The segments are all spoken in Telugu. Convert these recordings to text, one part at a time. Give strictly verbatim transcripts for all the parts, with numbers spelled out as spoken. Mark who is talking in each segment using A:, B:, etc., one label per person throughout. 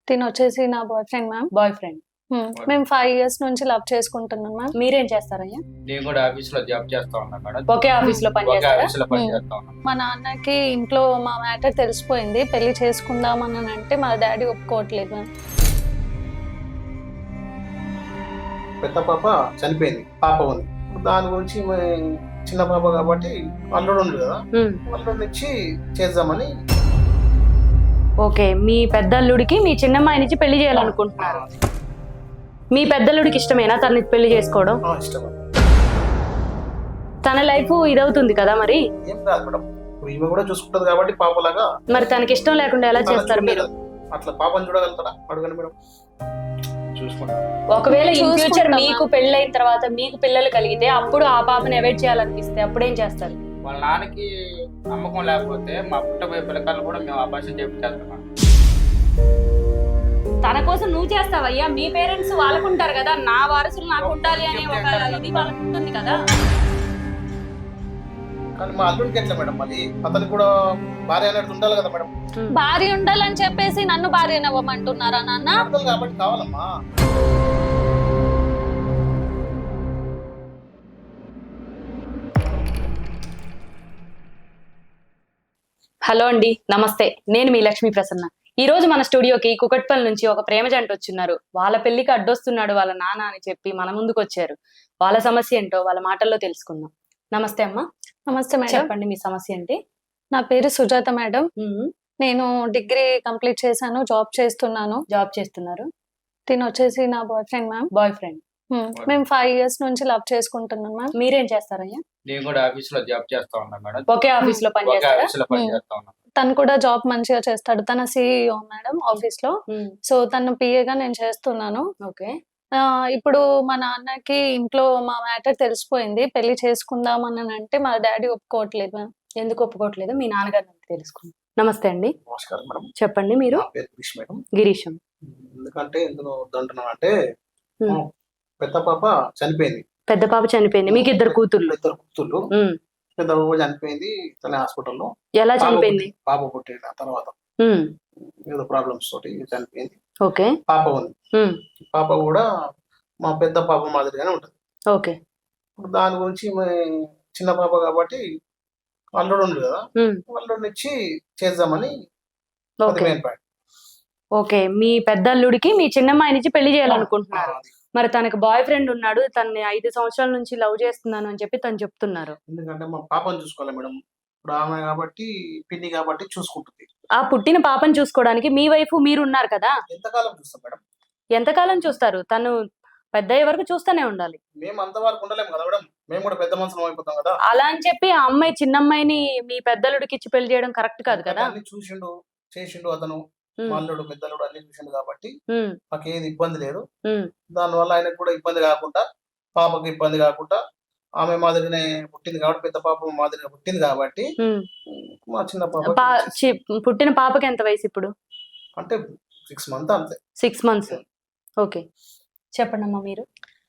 A: తిను వచ్చేసి నా boyfriend ma'am.
B: Boyfriend.
A: మేము ఫైవ్ ఇయర్స్ నుంచి లవ్ చేసుకుంటున్నాం మ్యామ్.
B: మీరేం చేస్తారయ్యా?
C: నేను కూడా ఆఫీస్ లో జాబ్ చేస్తా ఉన్నా మేడం.
B: ఒకే ఆఫీస్ లో పని
C: ఒకే
B: చేస్తారా?
C: ఆఫీస్ లో పని చేస్తా ఉన్నా.
A: మా నాన్నకి ఇంట్లో మా మ్యాటర్ తెలిసిపోయింది, పెళ్లి చేసుకుందాం అని అంటే మా డాడీ ఒప్పుకోవట్లేదు మ్యామ్.
D: పెద్ద పాప చనిపోయింది, పాప ఉంది. దాని గురించి మే- చిన్న పాప కాబట్టి అల్లుడు ఉంది కదా,
B: ఉమ్.
D: అల్లుడిని ఇచ్చి చేద్దామని.
B: ఓకే, మీ పెద్దల్లుడికి మీ చిన్నమ్మాయి నుంచి పెళ్లి చేయాలనుకుంటున్నారు. మీ పెద్దల్లుడికి ఇష్టమేనా తనని పెళ్లి చేసుకోవడం?
D: ఆ, ఇష్టం.
B: తన లైఫ్ ఇదవుతుంది కదా మరి.
D: ఏం కాదు మేడం, ఇప్పుడు ఈమె కూడా చూసుకుంటది కాబట్టి పాపలాగా.
B: మరి తనకి ఇష్టం లేకుండా ఎలా
D: తన
B: చేస్తారు మీరు?
D: చూడలేదు. అట్లా పాపని చూడగలుగుతారా? అడగండి మేడం, చూసుకుంటా.
B: ఒకవేళ ఇన్ ఫ్యూచర్
A: చూసుకుంటామా?
B: మీకు పెళ్ళైన తర్వాత మీకు పిల్లలు కలిగితే అప్పుడు ఆ పాపని అవాయిడ్ చేయాలనిపిస్తే అప్పుడు ఏం చేస్తారు?
C: వాళ్ళ నాన్నకి నమ్మకం లేకపోతే మా పుట్టబోయే పిల్లకాయలు కూడా మేము అభాషణ చేస్తాం.
B: తన కోసం నువ్వు చేస్తావయ్యా, మీ పేరెంట్స్ వాళ్ళకుంటారు కదా, నా వారసులు నాకు ఉండాలి అనే ఒక ఇది వాళ్ళకు ఉంటుంది కదా.
D: కానీ మా అల్లుడికి ఎట్లా మేడం, మళ్ళీ అతనికి కూడా భార్య అనేది ఉండాలి కదా మేడం.
A: భార్య ఉండాలని చెప్పేసి నన్ను భార్య నవ్వమంటున్నారా నాన్న?
D: ఉండాలి కాబట్టి కావాలమ్మా.
B: హలో అండి, నమస్తే. నేను మీ లక్ష్మీ ప్రసన్న. ఈ రోజు మన స్టూడియోకి కుకట్పల్లి నుంచి ఒక ప్రేమ జంట వచ్చిన్నారు. వాళ్ళ పెళ్లికి అడ్డొస్తున్నాడు వాళ్ళ నాన్న అని చెప్పి మన ముందుకు వచ్చారు. వాళ్ళ సమస్య ఏంటో వాళ్ళ మాటల్లో తెలుసుకుందాం. నమస్తే అమ్మా.
A: నమస్తే మేడం.
B: చెప్పండి మీ సమస్య ఏంటి?
A: నా పేరు సుజాత మేడం.
B: ఉమ్.
A: నేను డిగ్రీ కంప్లీట్ చేశాను, జాబ్ చేస్తున్నాను.
B: జాబ్ చేస్తున్నారు.
A: తిను వచ్చేసి నా boyfriend ma'am.
B: Boyfriend.
A: మేము ఫైవ్ ఇయర్స్ నుంచి లవ్ చేసుకుంటున్నాం మ్యామ్.
B: మీరేం చేస్తారయ్యా?
C: నేను కూడా ఆఫీస్ లో జాబ్ చేస్తా ఉన్నా మేడం.
B: ఒకే ఆఫీస్ లో పని
C: ఒకే
B: చేస్తారా?
C: ఆఫీస్ లో పని చేస్తా ఉన్నా.
A: తను కూడా జాబ్ మంచిగా చేస్తాడు, తన సిఇఓ మేడం ఆఫీస్ లో.
B: ఉమ్.
A: సో తను పిఏగా నేను చేస్తున్నాను.
B: ఓకే.
A: ఆ, ఇప్పుడు మా నాన్నకి ఇంట్లో మా మ్యాటర్ తెలిసిపోయింది, పెళ్లి చేసుకుందాం అని అంటే మా డాడీ ఒప్పుకోవట్లేదు మ్యామ్.
B: ఎందుకు ఒప్పుకోవట్లేదు? మీ నాన్నగారిని తెలుసుకుందాం. నమస్తే అండి,
D: నమస్కారం మేడం.
B: చెప్పండి. మీరు?
D: నా పేరు కృష్ణ మేడం.
B: గిరీశం.
D: ఎందుకంటే ఎందుకు వద్దంటున్నాను అంటే,
B: ఉమ్.
D: మా పెద్ద పాప చనిపోయింది.
B: పెద్ద పాప చనిపోయింది, మీకు ఇద్దరు కూతుర్లు.
D: ఇద్దరు కూతుర్లు.
B: ఉమ్.
D: పెద్ద పాప చనిపోయింది తన హాస్పిటల్లో.
B: ఎలా
D: పాప
B: చనిపోయింది?
D: పుట్టి- పాప పుట్టిన తర్వాత
B: ఉమ్.
D: ఏదో ప్రాబ్లమ్స్ తోటి చనిపోయింది.
B: ఓకే.
D: పాప ఉంది.
B: ఉమ్.
D: పాప కూడా మా పెద్ద పాప మాదిరిగానే ఉంటుంది.
B: ఓకే.
D: ఇప్పుడు దాని గురించి మే- చిన్న పాప కాబట్టి అల్లుడు ఉంది కదా,
B: ఉమ్.
D: అల్లుడిని ఇచ్చి చేద్దామని. అది
B: ఓకే.
D: Main point.
B: ఓకే, మీ పెద్దల్లుడికి మీ చిన్నమ్మాయి నుంచి పెళ్లి చేయాలనుకుంటున్నారు.
D: అది.
B: మరి తనకి బాయ్ ఫ్రెండ్ ఉన్నాడు, తనని ఐదు సంవత్సరాల నుంచి లవ్ చేస్తున్నాను అని చెప్పి తను చెప్తున్నారు.
D: ఎందుకంటే మా పాపను చూసుకోవాలి మేడం. ఇప్పుడు ఆమె కాబట్టి పిన్ని కాబట్టి చూసుకుంటుంది.
B: ఆ పుట్టిన పాపను చూసుకోవడానికి మీ వైఫ్ మీరు ఉన్నారు కదా,
D: ఎంతకాలం చూస్తాం మేడం?
B: ఎంతకాలం చూస్తారు? తను పెద్ద అయ్యే వరకు చూస్తూనే ఉండాలి.
D: మేము అంతవరకు ఉండలేము కదా మేడం, మేము కూడా పెద్ద మనుషులం అయిపోతాం కదా.
B: అలా అని చెప్పి ఆ అమ్మాయి చిన్నమ్మాయిని మీ పెద్దలుడికి ఇచ్చి పెళ్లి చేయడం కరెక్ట్ కాదు కదా.
D: అన్ని చూసిండు చేసిండు అతను,
B: ఉమ్.
D: మా అల్లుడు పెద్దలుడు అన్ని చూసిండు కాబట్టి
B: ఉమ్.
D: మాకు ఏది ఇబ్బంది లేదు.
B: ఉమ్.
D: దానివల్ల ఆయనకు కూడా ఇబ్బంది కాకుండా, పాపకి ఇబ్బంది కాకుండా, ఆమె మాదిరినే పుట్టింది కాబట్టి, పెద్ద పాప మాదిరిగా పుట్టింది కాబట్టి
B: ఉమ్.
D: మా చిన్న పాప
B: పా- చి- పుట్టిన పాపకి ఎంత వయసు ఇప్పుడు?
D: అంటే సిక్స్ మంత్ అంతే.
B: Six months. ఓకే, చెప్పండి అమ్మా మీరు.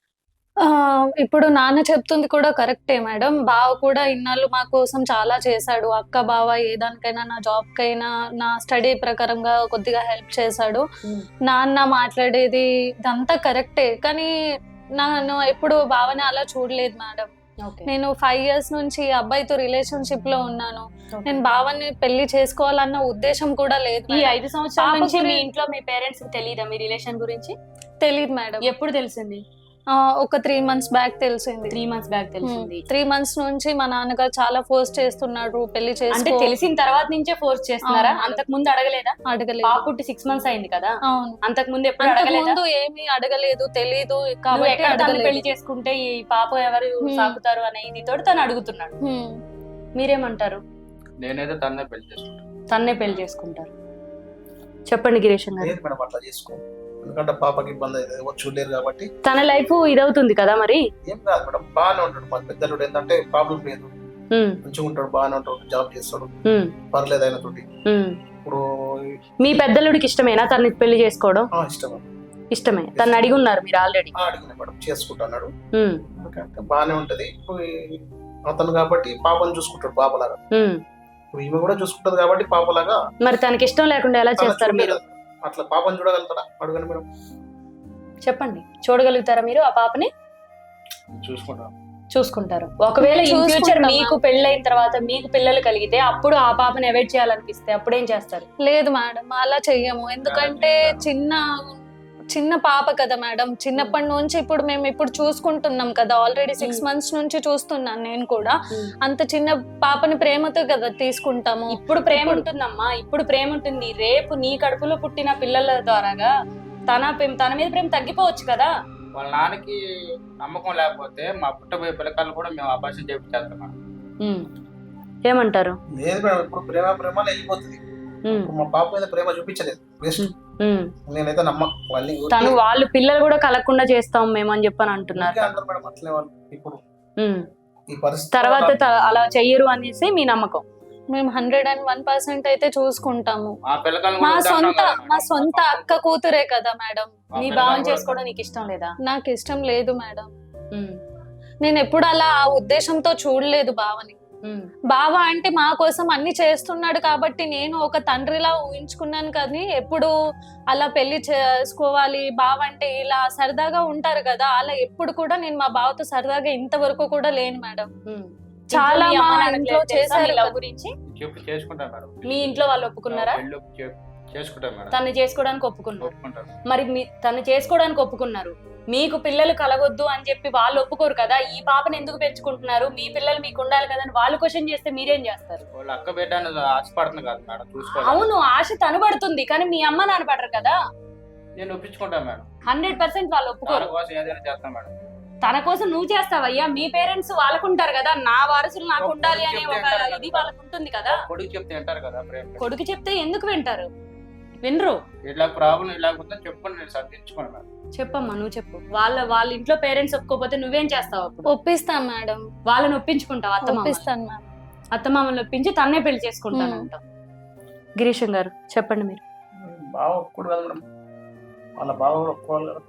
A: ఆ, ఇప్పుడు నాన్న చెప్తుంది కూడా కరెక్టే మేడం. బావ కూడా ఇన్నాళ్ళు మా కోసం చాలా చేశాడు. అక్క బావ ఏ దానికైనా, నా జాబ్ కైనా, నా స్టడీ ప్రకారంగా కొద్దిగా హెల్ప్ చేశాడు. నాన్న మాట్లాడేది ఇదంతా కరెక్టే, కానీ నేను ఎప్పుడు బావని అలా చూడలేదు మేడం.
B: ఓకే.
A: నేను ఫైవ్ ఇయర్స్ నుంచి ఈ అబ్బాయితో రిలేషన్షిప్ లో ఉన్నాను. నేను బావని పెళ్లి చేసుకోవాలన్న ఉద్దేశం కూడా లేదు
B: ఈ
A: మేడం.
B: ఐదు సంవత్సరాల
A: పాప
B: నుంచి మీ
A: గురి-
B: ఇంట్లో మీ పేరెంట్స్ కి తెలియదా మీ రిలేషన్ గురించి?
A: తెలియదు మేడం.
B: ఎప్పుడు తెలిసింది?
A: ఆ, ఒక త్రీ మంత్స్ బ్యాక్ తెలిసింది.
B: త్రీ మంత్స్ బ్యాక్ తెలిసింది.
A: త్రీ మంత్స్ నుంచి మా నాన్నగారు చాలా ఫోర్స్ చేస్తున్నాడు పెళ్లి
B: అంటే
A: చేసుకో.
B: తెలిసిన తర్వాత నుంచే ఫోర్స్ చేస్తున్నారా?
A: అవును.
B: అంతకు ముందు అడగలేదా?
A: అడగలేదు.
B: పాప పుట్టి సిక్స్ మంత్స్ అయింది కదా,
A: అవును.
B: అంతకు ముందు ఎప్పుడు
A: అంతకు
B: అడగలేదా?
A: ముందు ఏమీ అడగలేదు, తెలీదు
B: నువ్వు
A: కాబట్టి
B: ఎక్కడ తను
A: అడగలేదు.
B: పెళ్లి చేసుకుంటే ఈ పాప ఎవరు
A: Hmm.
B: సాకుతారు అనే ఇది తోటి తను అడుగుతున్నాడు.
A: హ్మ్.
B: మీరేమంటారు?
C: నేనైతే తన్నే పెళ్లి చేసుకుంటాను.
B: తన్నే పెళ్లి చేసుకుంటారు. చెప్పండి గిరీశం గారు.
D: లేదు మేడం, అట్లా చేసుకో. ఎందుకంటే పాపకి ఇబ్బంది అయితే ఎవరు చూడలేరు కాబట్టి.
B: తన లైఫ్ ఇదవుతుంది కదా మరి.
D: ఏం కాదు మేడం, బాగానే ఉంటాడు. మా పెద్దలుడు ఏంటంటే ప్రాబ్లం లేదు,
B: ఉమ్.
D: మంచిగా ఉంటాడు, బాగానే ఉంటాడు, జాబ్ చేస్తాడు,
B: ఉమ్.
D: పర్లేదు ఆయన తోటి.
B: ఉమ్.
D: ఇప్పుడు
B: మీ పెద్దలుడికి ఇష్టమేనా తనని పెళ్లి చేసుకోవడం?
D: ఆ, ఇష్టం.
B: ఇష్టమే. తను అడిగి ఉన్నారు మీరు ఆల్రెడీ.
D: ఆ, అడిగిన మేడం చేసుకుంటున్నాడు. ఎందుకంటే బాగానే ఉంటది. ఇప్పుడు ఈ- అతను కాబట్టి పాపను చూసుకుంటాడు పాపలాగా. ఇప్పుడు ఈమె కూడా చూసుకుంటది కాబట్టి పాపలాగా.
B: మరి తనకి ఇష్టం లేకుండా ఎలా
D: తన
B: చేస్తారు మీరు?
D: చూడలేదు. అట్లా పాపని చూడగలుగుతాడా అడగండి మేడం.
B: చెప్పండి, చూడగలుగుతారా మీరు ఆ పాపని?
C: చూసుకుంటాం.
B: చూసుకుంటారు. ఒకవేళ ఇన్ ఫ్యూచర్
A: చూసుకుంటామా?
B: మీకు పెళ్ళైన తర్వాత మీకు పిల్లలు కలిగితే అప్పుడు ఆ పాపని అవాయిడ్ చేయాలనిపిస్తే అప్పుడు ఏం చేస్తారు?
A: లేదు మేడం, అలా చెయ్యము. ఎందుకంటే చిన్న చిన్న పాప కదా మేడం, చిన్నప్పటి నుంచి ఇప్పుడు మేము ఇప్పుడు చూసుకుంటున్నాం కదా, ఆల్రెడీ సిక్స్
B: Hmm.
A: మంత్స్ నుంచి చూస్తున్నాను నేను కూడా. అంత చిన్న పాపని ప్రేమతో కదా తీసుకుంటాము.
B: ఇప్పుడు ప్రేమ
A: ఇప్పుడు-
B: ఉంటుందమ్మా, ఇప్పుడు ప్రేమ ఉంటుంది. రేపు నీ కడుపులో పుట్టిన పిల్లల ద్వారాగా తన ప్రేమ- తన మీద ప్రేమ తగ్గిపోవచ్చు కదా.
C: వాళ్ళ నాన్నకి నమ్మకం లేకపోతే మా పుట్టబోయే పిల్లకాయలు కూడా మేము అభాషణ చేపించేస్తాం మేడం.
B: ఉమ్. ఏమంటారు?
D: లేదు మేడం, ఇప్పుడు ప్రేమ ప్రేమ అని వెళ్ళిపోతుంది.
B: ఉమ్.
D: ఇప్పుడు మా పాప మీద ప్రేమ చూపించలేదు, వేస్ట్.
B: ఉమ్.
D: నేనైతే నమ్మకం వాళ్ళని
B: తను వాళ్ళు పిల్లలు కూడా కలగకుండా చేస్తాం మేము అని చెప్పని అంటున్నారు.
D: ఊరికే అంటారు మేడం అట్లనే వాళ్ళు. ఇప్పుడు
B: ఉమ్.
D: ఈ పరిస్థితి
B: తర్వాత త- అలా చెయ్యరు అనేసి మీ నమ్మకం.
A: మేము హండ్రెడ్ అండ్ వన్ పర్సెంట్ అయితే చూసుకుంటాము.
C: మా పిల్లకాయలు
A: మా
C: కూడా వద్దంటున్నాం
A: సొంత
C: కదా మేడం.
A: మా సొంత అక్క కూతురే కదా మేడం.
C: మా
B: నీ
C: పిల్లకాయలు
B: భావం
C: కూడా
B: చేసుకోవడం నీకు ఇష్టం లేదా?
A: నాకు ఇష్టం లేదు మేడం.
B: ఉమ్.
A: నేను ఎప్పుడు అలా ఆ ఉద్దేశంతో చూడలేదు బావని.
B: ఉమ్.
A: బావ అంటే మా కోసం అన్ని చేస్తున్నాడు కాబట్టి నేను ఒక తండ్రిలా ఊహించుకున్నాను, కానీ ఎప్పుడు అలా పెళ్లి చేసుకోవాలి బావ అంటే ఇలా సరదాగా ఉంటారు కదా, అలా ఎప్పుడు కూడా నేను మా బావతో సరదాగా ఇంతవరకు కూడా లేను మేడం.
B: ఉమ్.
A: చాలా
B: ఇంట్లో మీ
A: మా
B: అమ్మ నాన్నకి
A: ఇంట్లో
B: తెలుసా
A: చేశారు
B: నీ లవ్
A: కదా.
B: గురించి?
C: చెప్పి చేసుకుంటాం మేడం.
B: మీ ఇంట్లో వాళ్ళు ఒప్పుకున్నారా?
C: పెళ్ళి చే- చేసుకుంటాం మేడం.
B: తను చేసుకోవడానికి ఒప్పుకున్నారు.
C: ఒప్పుకుంటారు.
B: మరి మీ తను చేసుకోవడానికి ఒప్పుకున్నారు, మీకు పిల్లలు కలగొద్దు అని చెప్పి వాళ్ళు ఒప్పుకోరు కదా. ఈ పాపను ఎందుకు పెంచుకుంటున్నారు, మీ పిల్లలు మీకు ఉండాలి కదా అని వాళ్ళు క్వశ్చన్ చేస్తే మీరేం చేస్తారు?
C: వాళ్ళ అక్క బిడ్డ అనేది ఆశపడుతుంది కదా మేడం, చూసుకోవాలి.
B: అవును, ఆశ తను పడుతుంది కానీ మీ అమ్మ నాన్న పడరు కదా.
C: నేను ఒప్పించుకుంటాను మేడం.
B: హండ్రెడ్ పర్సెంట్ వాళ్ళు ఒప్పుకోరు.
C: దాని కోసం ఏదైనా చేస్తాం మేడం.
B: తన కోసం నువ్వు చేస్తావయ్యా, మీ పేరెంట్స్ వాళ్ళకుంటారు కదా, నా వారసులు నాకు ఉండాలి అనే ఒక ఇది వాళ్ళకు ఉంటుంది కదా.
C: కొడుకు చెప్తే వింటారు కదా ప్రేమ.
B: కొడుకు చెప్తే ఎందుకు వింటారు? వినరు.
C: ఇట్లా ప్రాబ్లం ఇలాగపోతే చెప్పండి, నేను సర్దించుకోండి మేడం.
B: చెప్పమ్మా, నువ్వు చెప్పు. వాళ్ళ వాళ్ళ ఇంట్లో పేరెంట్స్ ఒప్పుకోకపోతే నువ్వేం చేస్తావు అప్పుడు?
A: ఒప్పిస్తాను మేడం,
B: వాళ్ళని ఒప్పించుకుంటావు. అత్తమామ
A: ఒప్పిస్తాను మేడం.
B: అత్తమామని ఒప్పించి తన్నే పెళ్లి చేసుకుంటానంట. గిరీశం గారు చెప్పండి మీరు.
D: బావ ఒప్పుకోడు కదా మేడం, వాళ్ళ బావ కూడా ఒప్పుకోవాలి కదా,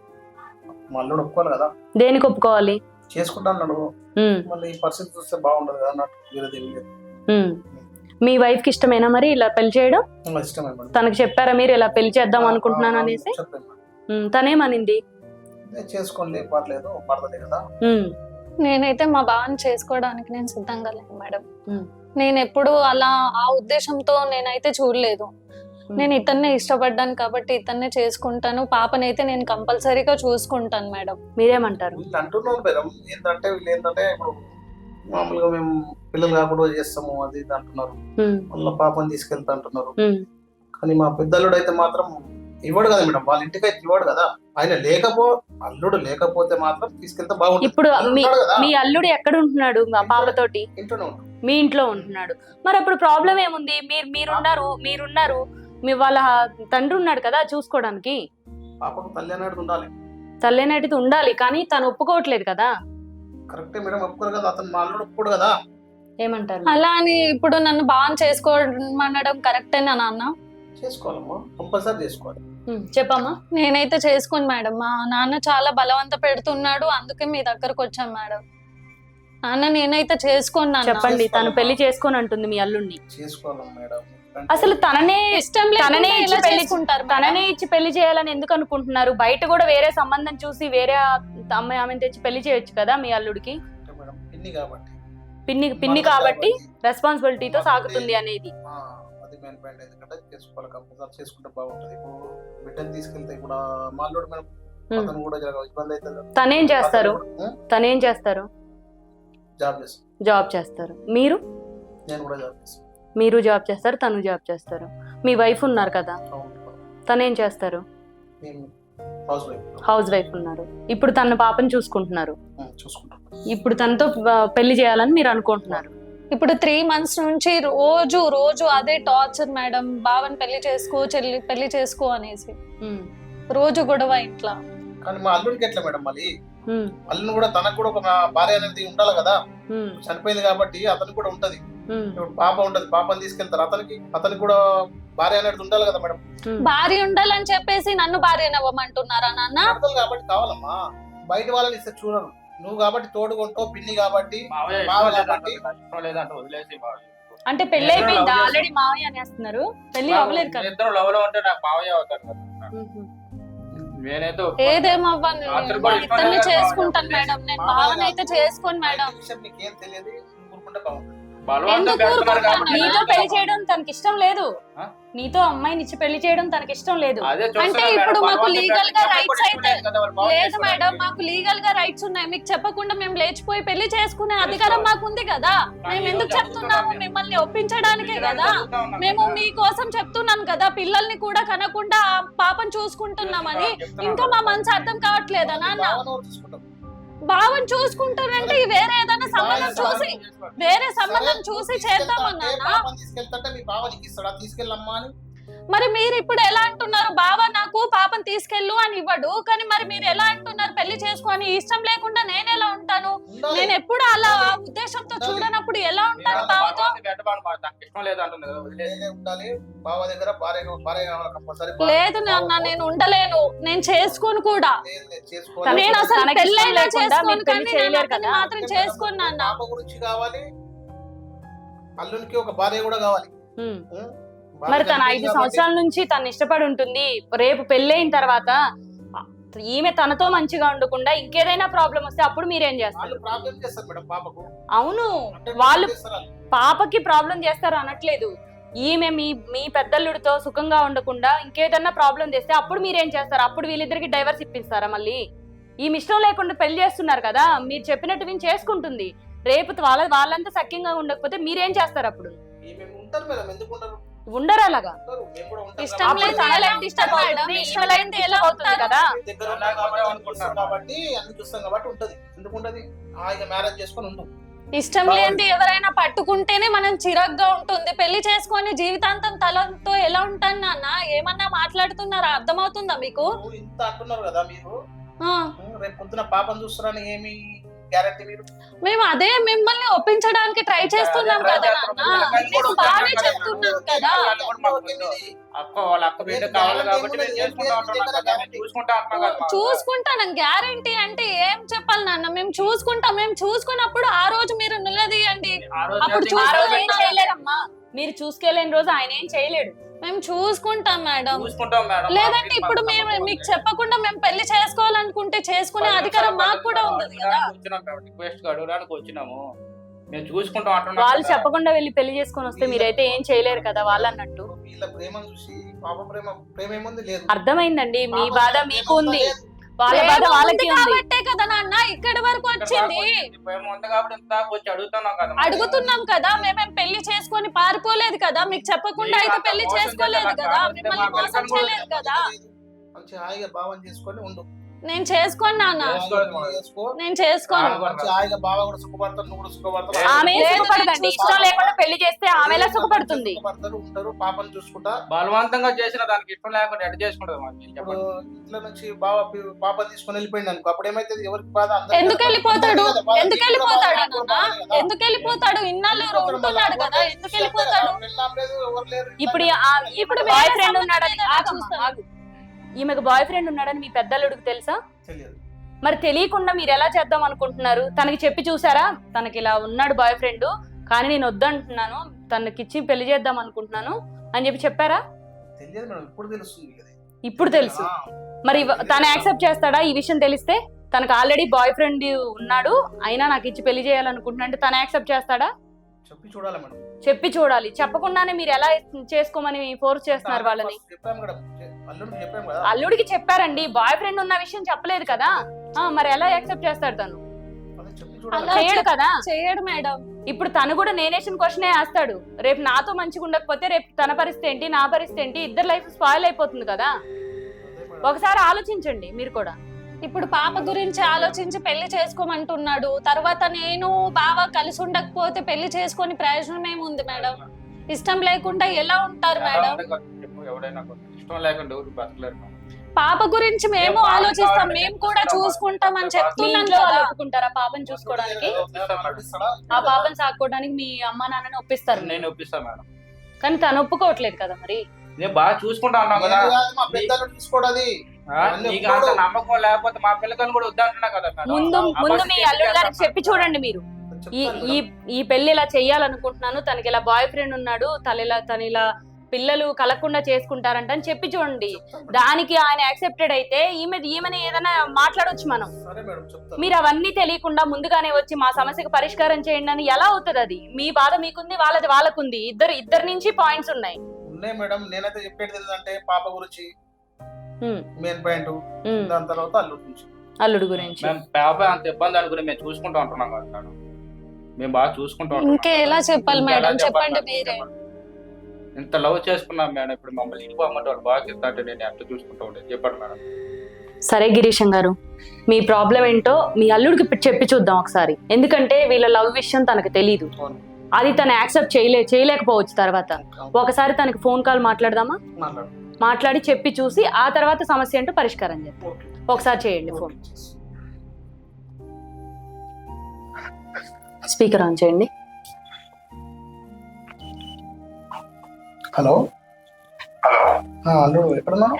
D: మా అల్లుడు ఒప్పుకోవాలి కదా.
B: దేనికి ఒప్పుకోవాలి?
D: చేసుకుంటా అన్నాడు,
B: ఉమ్.
D: మళ్ళీ ఈ పరిస్థితి చూస్తే బాగుండదు కదా అన్నట్టు. వేరేది ఏమీ లేదు.
B: ఉమ్. మీ వైఫ్ కి ఇష్టమేనా మరి ఇలా పెళ్లి చేయడం?
D: ఇంకా ఇష్టమే మేడం.
B: తనకి చెప్పారా మీరు ఇలా పెళ్లి చేద్దాం అనుకుంటున్నాను అనేసి?
D: చెప్పాను మేడం.
B: ఉమ్. తనేమనింది?
D: నేను చేసుకోండి పర్లేదు, పడతలే కదా.
B: ఉమ్.
A: నేనైతే మా బావని చేసుకోవడానికి నేను సిద్ధంగా లేను మేడం.
B: ఉమ్.
A: నేను ఎప్పుడు అలా ఆ ఉద్దేశంతో నేనైతే చూడలేదు. నేను ఇతన్నే ఇష్టపడ్డాను కాబట్టి ఇతన్నే చేసుకుంటాను. పాపనైతే నేను కంపల్సరీగా చూసుకుంటాను మేడం.
B: మీరేమంటారు?
D: వీళ్ళు అంటున్నారు మేడం, ఏంటంటే వీళ్ళు ఏంటంటే ఇప్పుడు మామూలుగా మేము పిల్లలు కాకుండా చేస్తాము అది ఇది అంటున్నారు,
B: ఉమ్.
D: వాళ్ళ పాపని తీసుకెళ్తా అంటున్నారు.
B: ఉమ్.
D: కానీ మా పెద్దల్లుడు అయితే మాత్రం ఇవ్వడు కదా మేడం, వాళ్ళ ఇంటికి అయితే ఇవ్వడు కదా. ఆయన లేకపో అల్లుడు లేకపోతే మాత్రం తీసుకెళ్తే బాగుంటుంది.
B: ఇప్పుడు మీ
D: ఉంటాడు కదా,
B: మీ అల్లుడు ఎక్కడ ఉంటున్నాడు? మా పాపతోటి
D: ఇంట్లోనే ఉంటాడు.
B: మీ ఇంట్లో ఉంటున్నాడు. మరి అప్పుడు ప్రాబ్లం ఏముంది? మీరు మీరున్నారు మీరున్నారు మీ వాళ్ళ తండ్రి ఉన్నాడు కదా చూసుకోవడానికి.
D: పాపకు తల్లి అనేది ఉండాలి.
B: తల్లినటిది ఉండాలి కానీ తను ఒప్పుకోవట్లేదు కదా.
D: కరెక్టే మేడం, ఒప్పుకోరు కదా, అతను మా అల్లుడు ఒప్పుకోడు కదా.
B: ఏమంటారు?
A: అలా అని ఇప్పుడు నన్ను బాగా చేసుకోమనడం కరెక్టేనా నాన్న?
D: చేసుకోవాలమ్మా, కంపల్సరీ చేసుకోవాలి.
B: ఉమ్. చెప్పమ్మా.
A: నేనైతే చేసుకోను మేడం. మా నాన్న చాలా బలవంత పెడుతున్నాడు, అందుకే మీ దగ్గరకు వచ్చాను మేడం. నాన్న నేనైతే చేసుకోను నాన్న.
B: చెప్పండి, తను పెళ్లి చేసుకొని అంటుంది మీ అల్లుడిని.
D: చేసుకోవాలి మేడం.
B: అసలు తననే
A: ఇష్టం
B: తననే
A: లేకుండా
B: ఇచ్చి
A: ఎలా
B: పెళ్లి
A: చేసుకుంటారు మేడం?
B: తననే ఇచ్చి పెళ్లి చేయాలని ఎందుకు అనుకుంటున్నారు? బయట కూడా వేరే సంబంధం చూసి వేరే అమ్మాయి ఆమెను తెచ్చి పెళ్లి చేయొచ్చు కదా మీ అల్లుడికి.
D: అంటే మేడం పిన్ని కాబట్టి,
B: పిన్ని పిన్ని
D: మరదలు
B: కాబట్టి
D: కాబట్టి,
B: రెస్పాన్సిబిలిటీతో
D: మరదలు
B: సాగుతుంది అనేది.
D: ఆ, అది మెయిన్ పాయింట్. ఎందుకంటే చేసుకోవాలి, కంపల్సరీ చేసుకుంటే బాగుంటది. ఇప్పుడు బిడ్డను తీసుకెళ్తే ఇప్పుడు మా అల్లుడు మేడం,
B: ఉమ్.
D: అతను కూడా జర ఇబ్బంది అవుతుంది కదా.
B: తనేం చేస్తారు?
D: అతను కూడా, ఉం?
B: తనేం చేస్తారు?
D: జాబ్ చేస్తాను.
B: జాబ్ చేస్తారు. మీరు
D: నేను కూడా జాబ్ చేస్తాను.
B: మీరు జాబ్ చేస్తారు, తను జాబ్ చేస్తారు. మీ వైఫ్ ఉన్నారు కదా,
D: అవును.
B: తనేం చేస్తారు?
D: నేను హౌస్ వైఫ్.
B: హౌస్ వైఫ్ ఉన్నారు. ఇప్పుడు తన పాపని చూసుకుంటున్నారు.
D: ఉం, చూసుకుంటాను.
B: ఇప్పుడు తనతో ఆ, పెళ్లి చేయాలని మీరు అనుకుంటున్నారు.
A: ఇప్పుడు త్రీ మంత్స్ నుంచి రోజు రోజు అదే టార్చర్ మేడం. బావని పెళ్లి చేసుకో, చెల్లి పెళ్లి చేసుకో అనేసి
B: ఉమ్.
A: రోజు గొడవ ఇంట్లో.
D: కానీ మా అల్లుడికి ఎట్లా మేడం, మళ్ళీ
B: ఉమ్.
D: అల్లుని కూడా తనకు కూడా ఒక భార్య అనేది ఉండాలి కదా.
B: ఉమ్.
D: చనిపోయింది కాబట్టి అతనికి కూడా ఉంటది.
B: ఉమ్.
D: ఇప్పుడు పాప ఉంటది, పాపని తీసుకెళ్తారు, అతనికి అతనికి కూడా భార్య అనేది ఉండాలి కదా మేడం.
B: ఉమ్.
A: భార్య ఉండాలని చెప్పేసి నన్ను భార్య నవ్వమంటున్నారా నాన్న?
D: భర్తలు కాబట్టి కావాలమ్మా, బయట వాళ్ళని ఇస్తే చూడరు. నువ్వు కాబట్టి తోడుకుంటావు, పిన్ని కాబట్టి
C: మావయ్య
D: మావ
C: ఇష్టం
D: కాబట్టి.
C: లేదంటే ఇష్టం లేదంటే వదిలేసి మావయ్య.
B: అంటే పెళ్లి అయిపోయిందా? ఆల్రెడీ మావయ్య అనేస్తున్నారు. పెళ్లి అవ్వలేదు కదా.
C: ఇద్దరు లవ్ లో ఉంటే నాకు మావయ్య అవుతాడు కదా. నేనైతే
A: ఏదేమవ్వను
C: రాత్రి కూడా ఇష్టం
A: ఇద్దరిని
C: లేదు
A: చేసుకుంటాను
C: బావ.
A: మేడం నేను భావన అయితే చేసుకోను మేడం
D: ఈ విషయం నీకేం తెలియదు ఊరుకుంటే బాగుంటుంది.
C: బలవంతం
A: ఎందుకు
C: పెడుతున్నారు
A: ఊరుకుంటాను?
C: కాబట్టి
B: నీతో పెళ్లి చేయడం తనకి ఇష్టం లేదు.
C: ఆ?
B: నీతో అమ్మాయిని ఇచ్చి పెళ్లి చేయడం తనకి ఇష్టం లేదు.
C: అదే
A: అంటే
C: చూస్తున్నా
A: ఇప్పుడు
C: మేడం,
A: మాకు
C: బలవంతం
A: లీగల్ గా
C: పెట్టడం
A: రైట్స్
C: కూడా
A: అయితే
C: ఇష్టం లేదు కదా, వాళ్ళు బాగా
A: లేదు
C: చేసుకోవడానికి.
A: మేడం మాకు లీగల్ గా రైట్స్ ఉన్నాయి మీకు చెప్పకుండా మేము లేచిపోయి పెళ్లి చేసుకునే అధికారం మాకు ఉంది కదా మేము ఎందుకు చెప్తున్నాము మిమ్మల్ని ఒప్పించడానికే కదా మేము మీకోసం చెప్తున్నాను కదా పిల్లల్ని కూడా కనకుండా ఆ పాపను చూసుకుంటున్నామని ఇంకా మా మనసు అర్థం కావట్లేదా నాన్న
D: భావన ఎవరు చూసుకుంటాం?
A: భావం చూసుకుంటారంటే వేరే ఏదైనా సంబంధం చూసి వేరే సంబంధం
D: సరే,
A: చూసి
D: నువ్వు
A: చేద్దామన్నా
D: తీసుకెళ్తా అంటే పాపని తీసుకెళ్తాంటే మీ బావ నీకు ఇస్తాడా? తీసుకెళ్ళమ్మా అని
A: మరి మీరు ఇప్పుడు ఎలా అంటున్నారు బావ నాకు పాపను తీసుకెళ్ళు అని ఇవ్వడు కానీ మరి మీరు ఎలా అంటున్నారు పెళ్లి చేసుకొని ఇష్టం లేకుండా నేను ఎలా ఉంటాను
D: ఉండాలి.
A: నేను ఎప్పుడు అలా ఆ ఉద్దేశంతో చూడనప్పుడు ఎలా ఉంటాను
C: నేను
A: బావతో
C: బలవంతం పెట్టమని మా- నాకు ఇష్టం లేదు అంటుంది కదా, వదిలేయ్.
D: నేనే ఉండాలి. బావ దగ్గర భార్య భార్య కావాలి కంపల్సరీ.
A: లేదు నాన్న నేను ఉండలేను నేను చేసుకోను కూడా
D: లేదు, లేదు, చేసుకోవాలి.
A: నేను అసలు
B: తనకి ఇష్టం
A: పెళ్ళైనా
B: లేకుండా
A: చేసుకోను
B: మీరు పెళ్లి
A: కానీ
B: చేయలేరు
A: నేను అతన్ని
B: కదా.
A: మాత్రం చేసుకోను నాన్న
D: పాప గురించి కావాలి, అల్లునికి ఒక భార్య కూడా కావాలి.
B: ఉమ్.
D: ఉం? భార్య
B: మరి తన
D: చనిపోయింది
B: ఐదు
D: కాబట్టి
B: సంవత్సరాల నుంచి తను ఇష్టపడి ఉంటుంది. రేపు పెళ్ళైన తర్వాత ఈమె తనతో మంచిగా ఉండకుండా ఇంకేదైనా ప్రాబ్లం వస్తే అప్పుడు మీరేం చేస్తారు?
D: వాళ్ళు ప్రాబ్లం చేస్తారు మేడం పాపకు.
B: అవును,
D: అంటే
B: వాళ్ళు
D: చేస్తారు వాళ్ళు.
B: పాపకి ప్రాబ్లం చేస్తారు అనట్లేదు. ఈమె మీ మీ పెద్దల్లుడితో సుఖంగా ఉండకుండా ఇంకేదన్నా ప్రాబ్లం చేస్తే అప్పుడు మీరేం చేస్తారు? అప్పుడు వీళ్ళిద్దరికి డైవర్స్ ఇప్పిస్తారా? మళ్ళీ ఈమె ఇష్టం లేకుండా పెళ్లి చేస్తున్నారు కదా, మీరు చెప్పినట్టు వీళ్ళు చేసుకుంటుంది. రేపు వాళ్ళ వాళ్ళంతా సఖ్యంగా ఉండకపోతే మీరేం చేస్తారు? అప్పుడు
D: ఈమె ఉంటారు మేడం, ఎందుకు ఉండరు?
B: ఉండరు అలాగా.
D: ఉంటారు, మేము కూడా ఉంటాం
A: ఇష్టం
D: కాబట్టి.
A: లేదు
B: తన
A: ఎలా
B: లైఫ్ డిస్టర్బ్
A: ఉంటారు
B: అవుతుంది,
A: మేడం?
B: ఈమె
A: ఇష్టం
B: లైఫ్
A: లేనిది ఎలా
B: డిస్టర్బ్ అవుతుంది
A: ఉంటారు?
B: కదా.
D: దగ్గర ఉన్నాం కాబట్టి అన్ని చూస్తాం కాబట్టి అన్ని చూస్తాం కాబట్టి ఉంటది. ఎందుకు ఉంటది? హాయిగా మ్యారేజ్ చేసుకొని ఉండు.
A: ఇష్టం లేనిది ఎవరైనా పట్టుకుంటేనే మనం చిరాగ్గా ఉంటుంది పెళ్లి చేసుకొని జీవితాంతం తలతో ఎలా ఉంటాను నాన్న ఏమన్నా మాట్లాడుతున్నారా అర్థమవుతుందా మీకు
D: నువ్వు ఇంత అంటున్నారు కదా మీరు,
A: ఆ,
D: ఉం, రేపు పొద్దున పాపం చూస్తారని ఏమి గ్యారెంటీ మీరు?
A: మేము అదే మిమ్మల్ని ఒప్పించడానికి ట్రై చేస్తున్నాం
C: ట్రై
A: కదా
C: చేస్తున్నాం.
A: నాన్న
C: కానీ
A: మీకు
C: కూడా
A: బాగానే
C: ఉంటాం
A: చెప్తున్నాం కదా
C: వాళ్ళు కూడా మాకు ముందు అక్క వాళ్ళ అక్క బిడ్డ కావాలి కాబట్టి మేము చేసుకుంటా ఉంటున్నాం కదా, మేము చూసుకుంటా ఉంటున్నాం కదా మా-
A: చూసుకుంటాను గ్యారంటీ అంటే ఏం చెప్పాలి నాన్న మేము చూసుకుంటాం మేము చూసుకున్నప్పుడు ఆ రోజు మీరు నిలదీయండి
C: ఆ రోజు
A: అప్పుడు
C: అయితే
B: ఆ
A: చూసుకుంటాం.
B: రోజు ఏం చేయలేరమ్మా, మీరు చూసుకోలేని రోజు ఆయన ఏం చేయలేడు.
A: మేము చూసుకుంటాం మేడం
C: చూసుకుంటాం మేడం.
A: లేదంటే ఇప్పుడు మేము మీకు చెప్పకుండా మేము పెళ్లి చేసుకోవాలనుకుంటే చేసుకునే అధికారం మాకు కూడా ఉంది కదా
C: రిక్వెస్ట్ అడగడానికి వచ్చినాము, మేము చూసుకుంటాం అంటున్నాం
B: వాళ్ళు
C: కదా.
B: చెప్పకుండా వెళ్ళి పెళ్లి చేసుకొని వస్తే మీరైతే ఏం చేయలేరు కదా వాళ్ళు అన్నట్టు.
D: వీళ్ళ ప్రేమను చూసి పాప ప్రేమ ప్రేమ ఏముంది? లేదు.
B: అర్థమైందండి, మీ
D: పాప
B: బాధ
D: ప్రేమ
B: మీకు ఉంది,
D: లేదు.
B: వాళ్ళ
A: ప్రేమ
B: బాధ
A: ఉంది
B: వాళ్ళకి ఉంది.
A: కాబట్టే కదా నాన్న ఇక్కడి వరకు వచ్చింది
C: ప్రేమ ఉంది కాబట్టి ఇంత వచ్చి అడుగుతున్నాం కదా.
A: అడుగుతున్నాం కదా మేమేం పెళ్లి చేసుకొని పారిపోలేదు కదా మీకు చెప్పకుండా అయితే పెళ్లి చేసుకోలేదు కదా మిమ్మల్ని మోసం చేయలేదు కదా
D: మంచి హాయిగా భావం చేసుకొని ఉండు.
A: నేను చేసుకోను నాన్న
D: చేసుకో.
A: నేను చేసుకోను
D: మంచి హాయిగా బావ కూడా సుఖపడతారు, నువ్వు కూడా సుఖపడతావు.
B: ఆమె
A: లేదు,
B: సుఖపడదండి,
A: నేను
B: ఇష్టం లేకుండా పెళ్లి చేస్తే ఆమె ఎలా సుఖపడుతుంది?
D: సుఖపడతారు, ఉంటారు, పాపను చూసుకుంటా.
C: బలవంతంగా చేసిన దానికి ఇష్టం లేకుండా ఎడ చేసుకుంటది మాకు
D: ఇప్పుడు
C: చెప్పండి.
D: ఇంట్లో నుంచి బావ పి- పాప తీసుకొని వెళ్ళిపోయింది అనుకో, అప్పుడు ఏమైతుంది? ఎవరికి బాధ? అందరికీ
A: ఎందుకు
D: బాధ.
A: వెళ్ళిపోతాడు
D: అందరికీ బాధ.
A: ఎందుకు
D: నీకు కూడా
A: వెళ్ళిపోతాడు
D: బాధ, నాకు కూడా
A: నాన్న
D: బాధ కదా.
A: ఎందుకు వెళ్ళిపోతాడు ఇన్నాళ్ళు ఉంటున్నాడు కదా ఎందుకు వెళ్ళిపోతాడు
D: పెళ్ళాం లేదు, ఎవరు లేరు.
B: ఇప్పుడు ఆ- ఇప్పుడు
A: వేరే
B: బాయ్ ఫ్రెండ్
A: సంబంధం
B: ఉన్నాడని
A: ఏదైనా
B: ఆగమ్మా,
A: చూస్తాను.
B: ఆగు. ఈమెకు బాయ్ ఫ్రెండ్ ఉన్నాడని మీ పెద్దలుడికి తెలుసా?
D: తెలియదు.
B: మరి తెలియకుండా మీరు ఎలా చేద్దాం అనుకుంటున్నారు? తనకి చెప్పి చూసారా తనకి ఇలా ఉన్నాడు బాయ్ ఫ్రెండ్, కానీ నేను వద్దంటున్నాను, తనకిచ్చి పెళ్లి చేద్దాం అనుకుంటున్నాను అని చెప్పి చెప్పారా?
D: తెలియదు మేడం, ఇప్పుడు తెలుస్తుంది కదా.
B: ఇప్పుడు తెలుసు.
D: ఆ,
B: మరి ఇవ- తను యాక్సెప్ట్ చేస్తాడా ఈ విషయం తెలిస్తే? తనకు ఆల్రెడీ బాయ్ ఫ్రెండ్ ఉన్నాడు, అయినా నాకు ఇచ్చి పెళ్లి చేయాలనుకుంటున్నా అంటే తను యాక్సెప్ట్ చేస్తాడా?
D: చెప్పి చూడాలి మేడం.
B: చెప్పి చూడాలి. చెప్పకుండానే మీరు ఎలా చేసుకోమని ఫోర్స్ చేస్తున్నారు వాళ్ళని?
D: చెప్పాము కదా, అల్లుడికి చెప్పాము కదా.
B: అల్లుడికి చెప్పారండి, బాయ్ ఫ్రెండ్ ఉన్న విషయం చెప్పలేదు కదా. ఆ మరి ఎలా యాక్సెప్ట్ చేస్తాడు తను?
D: అదే చెప్పి చూడాలి.
A: అలా
B: చేయడు
A: చెప్-
B: కదా.
A: చేయడు మేడం
B: ఇప్పుడు తను కూడా నేనేషన్ క్వశ్చనే వేస్తాడు. రేపు నాతో మంచిగా ఉండకపోతే రేపు తన పరిస్థితి ఏంటి, నా పరిస్థితి ఏంటి? ఇద్దరు లైఫ్ స్పాయిల్ అయిపోతుంది కదా.
D: అదే మేడం.
B: ఒకసారి ఆలోచించండి మీరు కూడా.
A: ఇప్పుడు పాప గురించి ఆలోచించి పెళ్లి చేసుకోమంటున్నాడు తర్వాత నేను బావ కలిసి ఉండకపోతే పెళ్లి చేసుకొని ప్రయోజనం ఏముంది మేడం ఇష్టం లేకుండా ఎలా ఉంటారు
C: ఎలా
A: మేడం
C: ఉంటే కొంచెం చెప్పు, ఎవడైనా కొంచెం ఇష్టం లేకుండా ఎవరు బతకలేరు మేడం.
A: పాప గురించి మేము
C: ఏం
A: ఆలోచిస్తాం
C: కావాలి?
A: మేము కూడా చూసుకుంటాం అని
B: మీ
A: చెప్తున్నాను
B: ఇంట్లో వాళ్ళు
A: కదా
B: ఒప్పుకుంటారా పాపని చూసుకోవడానికి?
D: ఇస్తాడా?
B: ఆ పాపని సాకోవడానికి మీ అమ్మా నాన్నని ఒప్పిస్తారు,
C: నేను ఒప్పిస్తాను మేడం.
B: కానీ తను ఒప్పుకోవట్లేదు కదా. మరి
C: నేను బాగా చూసుకుంటా ఉన్నాం కదా.
D: నేను కాదు, మా పెద్దలు చూసుకోవడది.
C: ఆ, నీకు అంత నమ్మకం లేకపోతే మా పిల్లకని కూడా వద్దంటున్నా కదా మేడం.
B: ముందు
C: ఆ
B: ముందు
C: బస్సు
B: మీ
C: చేసి
B: అల్లుడు గారికి
C: చేస్తాను.
B: చెప్పి చూడండి మీరు. ఈ
D: చెప్తాను
B: ఈ
D: మేడం.
B: ఈ పెళ్లి ఇలా చెయ్యాలనుకుంటున్నాను, తనకి ఇలా బాయ్ ఫ్రెండ్ ఉన్నాడు, తను ఇలా తను ఇలా పిల్లలు కలగకుండా చేసుకుంటారంట అని చెప్పి చూడండి. దానికి ఆయన యాక్సెప్టెడ్ అయితే ఈమె ఈమెని ఏదైనా మాట్లాడొచ్చు మనం.
D: సరే మేడం చెప్తాను.
B: మీరు అవన్నీ తెలియకుండా ముందుగానే వచ్చి మా సమస్యకు పరిష్కారం చేయండి అని ఎలా అవుతుంది? అది మీ బాధ మీకుంది, వాళ్ళది వాళ్ళకుంది. ఇద్దరు ఇద్దరి నుంచి పాయింట్స్ ఉన్నాయి.
D: ఉన్నాయి మేడం. నేనైతే చెప్పేది ఏంటంటే పాప గురించి
B: ఉమ్,
D: మెయిన్ పాయింట్,
B: ఉమ్,
D: దాని తర్వాత అల్లుడి గురించి.
B: అల్లుడు గురించి.
C: మేము పాప అంత ఇబ్బంది అనుకుని మేము చూసుకుంటూ ఉంటున్నాం కదా మేడం. మేము బాగా చూసుకుంటూ ఉంటున్నాం.
A: ఇంకే ఎలా చెప్పాలి
C: ఇంకా
A: మేడం?
C: ఎలా చెప్పాలి
A: చెప్పండి
C: మేడం?
A: మీరే.
C: ఇంత లవ్ చేసుకున్నాం మేడం, ఇప్పుడు మమ్మల్ని ఇంటిపోమంటే వాళ్ళు బాగా ఇస్తాంటే నేను ఎంత చూసుకుంటూ ఉండేది చెప్పండి మేడం.
B: సరే గిరీశం గారు, మీ ప్రాబ్లం ఏంటో మీ అల్లుడికి పె- చెప్పి చూద్దాం ఒకసారి. ఎందుకంటే వీళ్ళ లవ్ విషయం తనకు తెలీదు.
D: అవును.
B: అది తను యాక్సెప్ట్ చేయలే చేయలేకపోవచ్చు. తర్వాత ఒకసారి తనకి ఫోన్ కాల్ మాట్లాడదామా?
D: మాట్లాడు.
B: మాట్లాడి చెప్పి చూసి ఆ తర్వాత సమస్య ఏంటో పరిష్కారం చేద్దాం.
D: ఓకే.
B: ఒకసారి చేయండి ఫోన్. స్పీకర్ ఆన్ చేయండి.
D: హలో.
E: హలో
D: ఆ, అల్లుడు ఎక్కడున్నాను?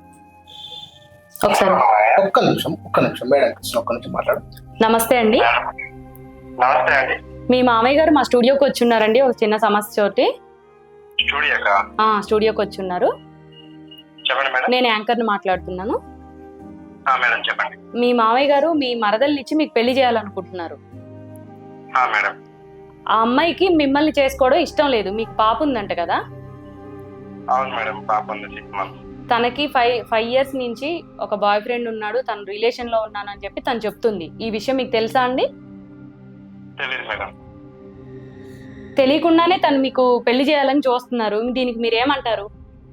B: ఒకసారి.
D: ఒక్క నిమిషం ఒక్క నిమిషం మేడం కృష్ణ, ఒక్క నిమిషం మాట్లాడు.
B: నమస్తే అండి.
E: నమస్తే అండి.
B: మీ మామయ్య గారు మా స్టూడియోకి వచ్చి ఉన్నారండి ఒక చిన్న సమస్య తోటి.
E: స్టూడియోకా?
B: ఆ స్టూడియోకి వచ్చి ఉన్నారు.
E: చెప్పండి మేడం.
B: నేను యాంకర్ని మాట్లాడుతున్నాను.
E: ఆ, మేడం చెప్పండి.
B: మీ మామయ్య గారు మీ మరదల్ని ఇచ్చి మీకు పెళ్లి చేయాలనుకుంటున్నారు.
E: ఆ, మేడం.
B: ఆ అమ్మాయికి మిమ్మల్ని చేసుకోవడం ఇష్టం లేదు. మీకు పాప ఉందంట కదా?
E: అవును మేడం, పాప ఉంది సిక్స్ మంత్స్.
B: తనకి ఫైవ్ ఫైవ్ ఇయర్స్ నుంచి ఒక బాయ్ ఫ్రెండ్ ఉన్నాడు, తను రిలేషన్ లో ఉన్నానని చెప్పి తను చెప్తుంది. ఈ విషయం మీకు తెలుసా అండి?
E: తెలియదు మేడం.
B: తెలియకుండానే తను మీకు పెళ్లి చేయాలని చూస్తున్నారు. దీనికి మీరేమంటారు?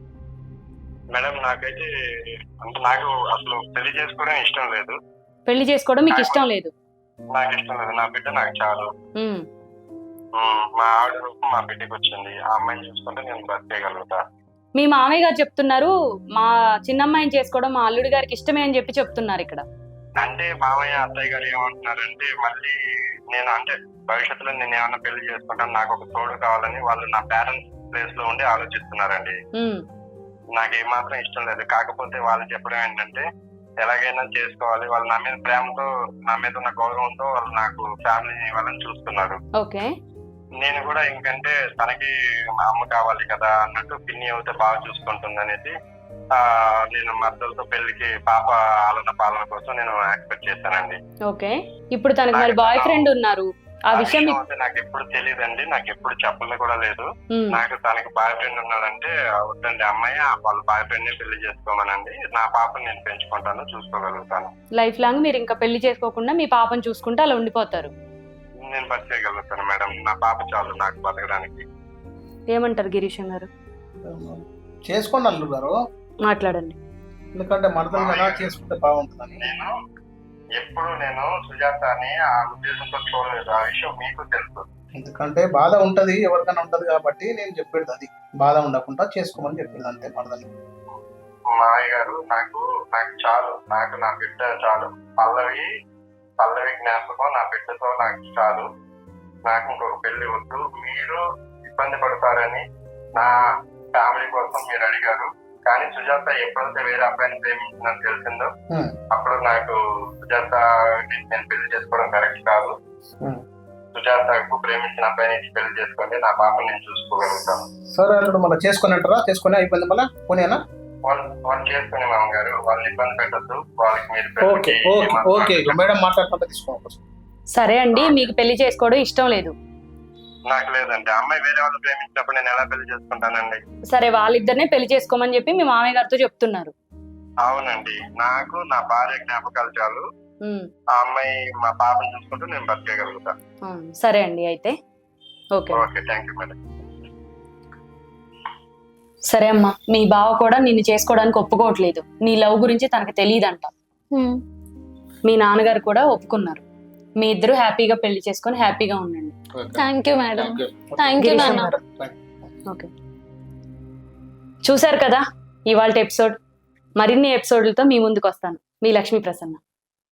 E: మేడం నాకైతే అంటే నాకు అసలు పెళ్లి చేసుకోవడం ఇష్టం లేదు.
B: పెళ్లి చేసుకోవడం మీకు ఇష్టం లేదు?
E: నాకు ఇష్టం లేదు. నా బిడ్డ నాకు చాలు.
B: ఉమ్,
E: ఉమ్, మా ఆవిడ రూపం మా బిడ్డకి వచ్చింది. ఆ అమ్మాయిని చూసుకుంటే నేను బ్రతికేయగలుగుతా.
B: మీ మామయ్య గారు చెప్తున్నారు మా చిన్నమ్మాయిని చేసుకోవడం మా అల్లుడి గారికి ఇష్టమే అని చెప్పి చెప్తున్నారు ఇక్కడ.
E: అంటే మామయ్య అత్తయ్య గారు ఏమంటున్నారంటే మళ్ళీ నేను అంటే భవిష్యత్తులో నేను ఏమన్నా పెళ్లి చేసుకుంటాను, నాకు ఒక తోడు కావాలని వాళ్ళు నా పేరెంట్స్ ప్లేస్ లో ఉండి ఆలోచిస్తున్నారండి.
B: ఉమ్,
E: నాకు ఏమాత్రం ఇష్టం లేదు. కాకపోతే వాళ్ళు చెప్పడం ఏంటంటే ఎలాగైనా చేసుకోవాలి, వాళ్ళు నా మీద ప్రేమతో నా మీద ఉన్న గౌరవంతో వాళ్ళు నాకు ఫ్యామిలీ వాళ్ళని చూస్తున్నారు.
B: ఓకే.
E: నేను కూడా ఇంకంటే తనకి మా అమ్మ కావాలి కదా అన్నట్టు పిన్ని అవుతే బాగా చూసుకుంటుంది అనేసి ఆ నేను మద్దతులతో పెళ్లికి పాప ఆలన పాలన కోసం నేను యాక్సెప్ట్ చేశానండి.
B: ఓకే. ఇప్పుడు తనకి మరి బాయ్ ఫ్రెండ్ ఉన్నారు. ఆ విషయం మీకు-
E: అయితే నాకు ఎప్పుడు తెలియదండి, నాకు ఎప్పుడు చెప్పలేదు కూడా లేదు.
B: ఉమ్,
E: నాకు తనకి బాయ్ ఫ్రెండ్ ఉన్నాడంటే వద్దండి అమ్మాయి వాళ్ళ బాయ్ ఫ్రెండ్ ని పెళ్లి చేసుకోమనండి, నా పాపని నేను పెంచుకుంటాను, చూసుకోగలుగుతాను.
B: లైఫ్ లాంగ్ మీరు ఇంకా పెళ్లి చేసుకోకుండా మీ పాపను చూసుకుంటూ అలా ఉండిపోతారు.
E: నేను బతికేయగలుగుతాను మేడం, నా పాప చాలు నాకు బతకడానికి.
B: ఏమంటారు గిరీశం గారు?
D: చేసుకోండి అల్లుడు గారు,
B: మాట్లాడండి.
D: ఎందుకంటే మరదలు కదా చేసుకుంటే బాగుంటుందని.
E: నేను ఎప్పుడు నేను సుజాతని ఆ ఉద్దేశంతో చూడలేదు. ఆ విషయం మీకు తెలుసు.
D: ఎందుకంటే బాధ ఉంటది, ఎవరికైనా ఉంటది కాబట్టి నేను చెప్పేది అది. బాధ ఉండకుండా చేసుకోమని చెప్పేది అంతే మరదలు.
E: మావయ్య గారు నాకు నాకు చాలు, నాకు నా బిడ్డ చాలు. పల్లవి పల్లవి జ్ఞాపకం నా బిడ్డతో నాకు చాలు. నాకు ఇంకొక పెళ్లి వద్దు. మీరు ఇబ్బంది పడతారని నా ఫ్యామిలీ కోసం మీరు అడిగారు. కానీ సుజాత ఎప్పుడైతే వేరే అబ్బాయిని ప్రేమించిందని తెలిసిందో
D: Hmm.
E: అప్పుడు నాకు సుజాత నేను పెళ్లి చేసుకోవడం కరెక్ట్ కాదు.
D: Hmm.
E: సుజాతకు ప్రేమించిన అబ్బాయిని ఇచ్చి పెళ్లి చేసుకోండి, నా పాపని నేను చూసుకోగలుగుతాను.
D: సరే అల్లుడు, మళ్ళీ చేసుకొని అంటారా? చేసుకొని అయిపోయింది మళ్ళీ పోనీనా?
E: వాళ్ళు వాళ్ళు చేసుకునే మామగారు వాళ్ళు ఇబ్బంది పెట్టద్దు. వాళ్ళకి మీరు
D: ఓకే
E: పెళ్లికి
D: ఓకే
E: ఏమాత్రం
D: ఓకే ఇక మేడం మాట్లాడుకుంటే తీసుకోండి.
B: సరే అండి, మీకు పెళ్లి చేసుకోవడం ఇష్టం లేదు.
E: నాకు లేదండి. అమ్మాయి వేరే వాళ్ళు ప్రేమించినప్పుడు నేను ఎలా పెళ్లి చేసుకుంటానండి?
B: సరే, వాళ్ళిద్దరినే పెళ్లి చేసుకోమని చెప్పి మీ మామయ్య గారితో చెప్తున్నారు.
E: అవునండి, నాకు నా భార్య జ్ఞాపకాలు చాలు.
B: ఉమ్,
E: ఆ అమ్మాయి మా పాపను చూసుకుంటూ నేను బతికేయగలుగుతాను.
B: ఆ, సరే అండి అయితే. Okay.
E: Okay, thank you madam.
B: సరే అమ్మా, మీ బావ కూడా నిన్ను చేసుకోవడానికి ఒప్పుకోవట్లేదు. నీ లవ్ గురించి తనకు తెలియదంట.
A: ఉమ్.
B: మీ నాన్నగారు కూడా ఒప్పుకున్నారు. మీ ఇద్దరు హ్యాపీగా పెళ్లి చేసుకొని హ్యాపీగా ఉండండి.
A: Thank you madam. Thank you నాన్న.
B: ఓకే. చూశారు కదా ఇవాళ ఎపిసోడ్. మరిన్ని ఎపిసోడ్లతో మీ ముందుకు వస్తాను. మీ లక్ష్మీ ప్రసన్న.